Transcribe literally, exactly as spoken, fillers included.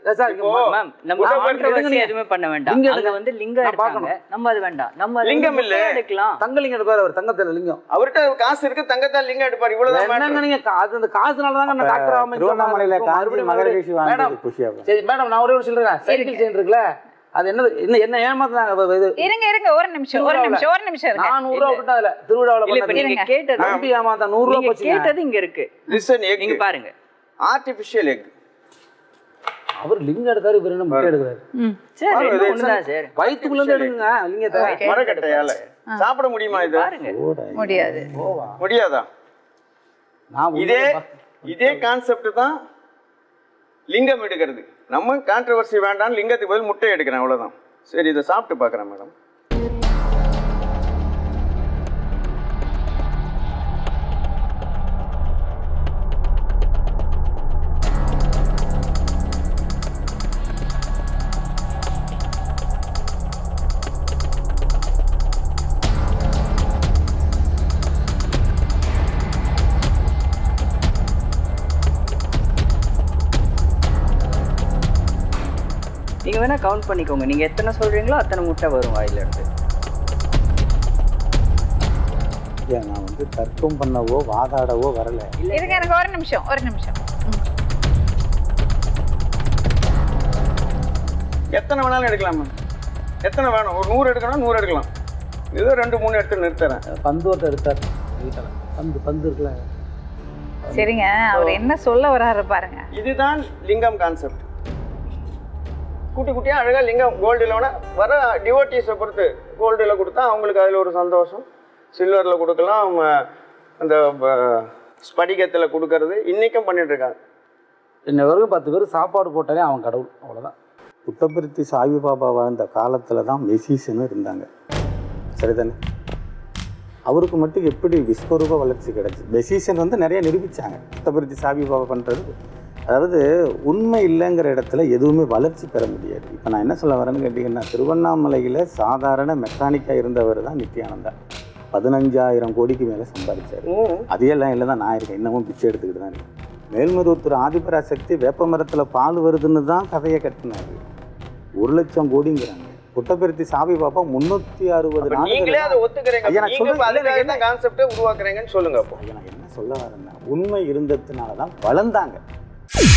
Sir ma'am நம்ம controversy எதுவுமே பண்ண வேண்டாம். அங்க வந்து லிங்கம் எடுப்பாங்க, நம்ம அது வேண்டாம். நம்ம லிங்கம் இல்ல எடுக்கலாம். தங்க லிங்கம் எடுப்பாரு அவர், தங்கத்துல லிங்கம். அவர்கிட்ட காசு இருக்கு, தங்கத்தால் லிங்கம் எடுப்பார். இவ்வளவுதான். என்னங்க நீங்க அது அந்த காசுனால தாங்க நான் டாக்டர் ஆகாம திருவண்ணாமலையில காஞ்சி மகரிஷி வாங்கி குஷியாகும். சரி மேடம், நான் ஒரே ஒரு சொல்றேன். சைக்கிள் செயின் இருக்குல்ல, அது என்ன என்ன என்ன ஏமாத்துறாங்க. இது இருங்க இருங்க ஒரு நிமிஷம் ஒரு நிமிஷம் ஒரு நிமிஷம் இருங்க. நான் நூறு ரூபாய் விட்டா அதுல திருவிழாவுல இல்ல, இப்ப நீங்க கேட்டது நம்பி ஏமாத்தா நூறு ரூபாய் போச்சு. கேட்டது இங்க இருக்கு. லிசன், நீங்க பாருங்க. Artificial egg. அவர் லிங்கம் எடுக்காரு, இவர் என்ன முட்டை எடுக்கிறாரு. சரி, ரெண்டும் ஒண்ணுதான் சார். வயித்துக்குள்ள இருந்து எடுங்க லிங்கத்தை. மரக்கட்டையால சாப்பிட முடியுமா இது? பாருங்க. முடியாது. முடியாதா? நான் இதே இதே கான்செப்ட் தான் லிங்கம் எடுக்கிறது. நம்ம கான்ட்ரவர்சி வேண்டாம், லிங்கத்துக்கு பதில் முட்டை எடுக்கிறேன், அவ்வளவுதான். சரி, இதை சாப்பிட்டு பார்க்குறேன் மேடம். நீங்க வேணா கவுண்ட் பண்ணிக்கோங்க. நீங்க எத்தனை சொல்றீங்களோ அத்தனை முட்டை வரும் வாயில இருந்து. ஏன் நான் வந்து தர்க்கம் பண்ணவோ வாதாடவோ வரல. இருங்க எனக்கு ஒரு நிமிஷம் ஒரு நிமிஷம். எத்தனை வேணாலும் எடுக்கலாம் மேம். எத்தனை வேணும்? ஒரு நூறு எடுக்கணும், நூறு எடுக்கலாம். ஏதோ ரெண்டு மூணு எடுத்து நிறுத்துறேன். பந்து ஓட்ட எடுத்தார். பந்து பந்து இருக்குல்ல. சரிங்க, அவர் என்ன சொல்ல வர்றாரு பாருங்க. இதுதான் லிங்கம் கான்செப்ட். குட்டி குட்டியாக அழகாக லிங்கம் கோல்டில் வர டிவோட்டீஸை பொறுத்து கோல்டில் கொடுத்தா அவங்களுக்கு அதில் ஒரு சந்தோஷம். சில்வரில் கொடுக்கலாம், அந்த ஸ்படிகத்தில் கொடுக்கறது இன்றைக்கும் பண்ணிகிட்ருக்காங்க. இன்ன வரைக்கும் பத்து பேர் சாப்பாடு போட்டாலே அவன் கடவுள், அவ்வளோதான். புட்டபர்த்தி சாய்பாபா வாழ்ந்த காலத்தில் தான் மெசிஷனும் இருந்தாங்க, சரிதானே? அவருக்கு மட்டும் எப்படி விஸ்வரூப வளர்ச்சி கிடச்சி? மெசிஷன் வந்து நிறைய நிரூபித்தாங்க. புட்டபர்த்தி சாய்பாபா பண்ணுறது, அதாவது உண்மை இல்லைங்கிற இடத்துல எதுவுமே வளர்ச்சி பெற முடியாது. இப்போ நான் என்ன சொல்ல வரேன்னு கேட்டிங்கன்னா, திருவண்ணாமலையில் சாதாரண மெக்கானிக்காக இருந்தவர் தான் நித்யானந்தா. பதினஞ்சாயிரம் கோடிக்கு மேலே சம்பாதிச்சார். அதையெல்லாம் இல்லை தான் நான் இருக்கேன், இன்னமும் பிச்சை எடுத்துக்கிட்டு தான் இருக்கேன். மேல்மருவத்தூர் ஆதிபராசக்தி வேப்ப மரத்தில் பால் வருதுன்னு தான் கதையை கட்டினாரு. ஒரு லட்சம் கோடிங்கிறாங்க. புட்டபர்த்தி சாய்பாபா முன்னூற்றி அறுபது கான்செப்டை உருவாக்குறீங்கன்னு சொல்லுங்க. அப்போ நான் என்ன சொல்ல வரேன்னா, உண்மை இருந்ததுனால தான் வளர்ந்தாங்க.